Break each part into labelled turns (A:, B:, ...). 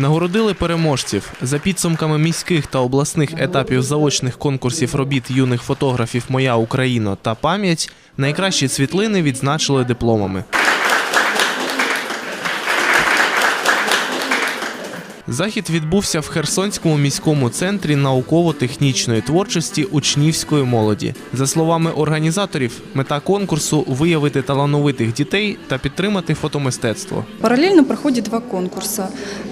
A: Нагородили переможців. За підсумками міських та обласних етапів заочних конкурсів робіт юних фотографів «Моя Україна» та «Пам'ять» найкращі світлини відзначили дипломами. Захід відбувся в Херсонському міському центрі науково-технічної творчості учнівської молоді. За словами організаторів, мета конкурсу – виявити талановитих дітей та підтримати фотомистецтво.
B: Параллельно проходит два конкурса.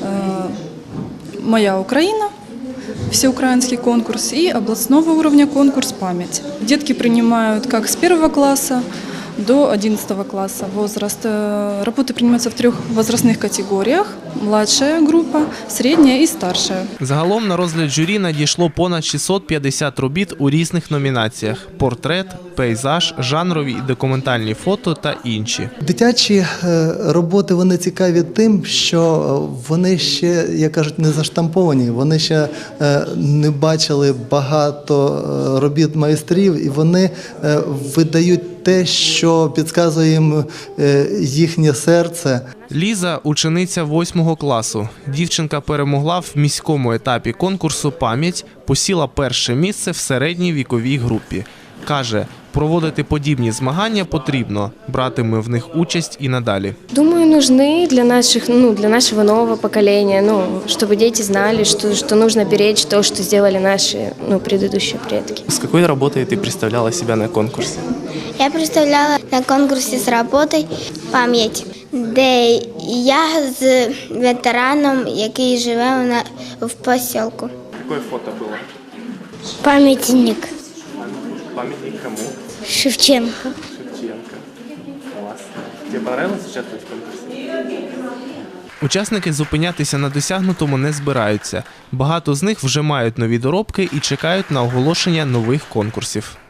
B: «Моя Украина», всеукраинский конкурс, и областного уровня конкурс «Память». Детки принимают как с 1 класса до 11 класса возраст. Работы принимаются в 3 возрастных категоріях – младшая група, середня і старша.
A: Загалом на розгляд журі надійшло понад 650 робіт у різних номінаціях – портрет, пейзаж, жанрові і документальні фото та інші.
C: Дитячі роботи, вони цікаві тим, що вони ще, як кажуть, не заштамповані, вони ще не бачили багато робіт майстрів, і вони видають те, що підказує їм їхнє серце.
A: Ліза – учениця 8 класу. Дівчинка перемогла в міському етапі конкурсу «Пам'ять», посіла перше місце в середній віковій групі. Каже, проводити подібні змагання потрібно, братиме в них участь і надалі.
D: Думаю, нужны для нашего нового поколения, чтобы дети знали, что нужно беречь то, что сделали наши предыдущие предки.
E: С какой работой ты представляла себя на конкурсе?
F: Я представляла на конкурсі з роботою «Пам'ять», де я з ветераном, який живе в поселку.
E: Какое фото было?
F: Пам'ятник.
E: Памятник кому?
F: Шевченко.
E: Шевченко. Класс. Тебе понравилось участвовать в конкурсе?
A: Учасники зупинятися на досягнутому не збираються. Багато з них вже мають нові доробки і чекають на оголошення нових конкурсів.